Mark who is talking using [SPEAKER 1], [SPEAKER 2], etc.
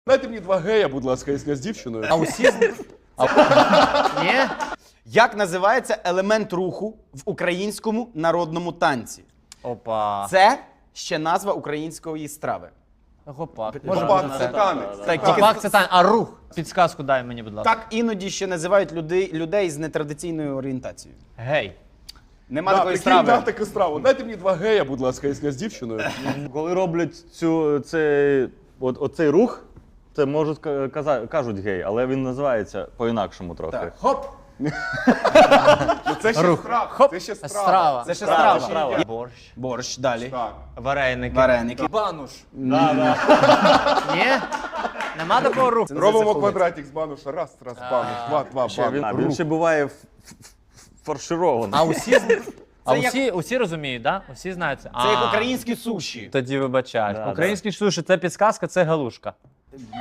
[SPEAKER 1] Дайте мені два гея, будь ласка, якщо я з дівчиною.
[SPEAKER 2] А усі Ні?
[SPEAKER 3] Як називається елемент руху в українському народному танці?
[SPEAKER 2] Опа.
[SPEAKER 3] Це ще назва української страви.
[SPEAKER 2] Гопак.
[SPEAKER 1] Гопак, це танець.
[SPEAKER 3] Так, тільки
[SPEAKER 2] Гопак це тань, а рух. Підсказку дай мені, будь ласка.
[SPEAKER 3] так іноді ще називають людей з нетрадиційною орієнтацією.
[SPEAKER 2] Гей.
[SPEAKER 3] Нема
[SPEAKER 1] Да,
[SPEAKER 3] такої
[SPEAKER 1] прикинь,
[SPEAKER 3] страви.
[SPEAKER 1] да, таку страву. Дайте мені два гея, будь ласка, якщо я з дівчиною.
[SPEAKER 4] Коли роблять оцей рух, це можуть кажуть гей, але він називається по-інакшому трохи.
[SPEAKER 1] Так, хоп! Ну це ще страва. Це ще страва.
[SPEAKER 2] Страва.
[SPEAKER 3] Це ще страва.
[SPEAKER 4] страва.
[SPEAKER 2] Борщ.
[SPEAKER 3] Борщ, далі.
[SPEAKER 1] Так.
[SPEAKER 2] Вареники.
[SPEAKER 3] Вареники.
[SPEAKER 1] Бануш.
[SPEAKER 2] Ні? Нема такого руху.
[SPEAKER 3] Це не
[SPEAKER 1] Робимо
[SPEAKER 3] заховується.
[SPEAKER 1] квадратик з бануша. Раз, бануш. Два, бануш.
[SPEAKER 4] Він ще буває фарширований.
[SPEAKER 2] А
[SPEAKER 3] Це
[SPEAKER 2] усі розуміють, да? Усі знають це?
[SPEAKER 3] Це як українські суші.
[SPEAKER 2] Тоді вибачаєш.
[SPEAKER 4] Да,
[SPEAKER 2] Українські суші – це підсказка, це галушка.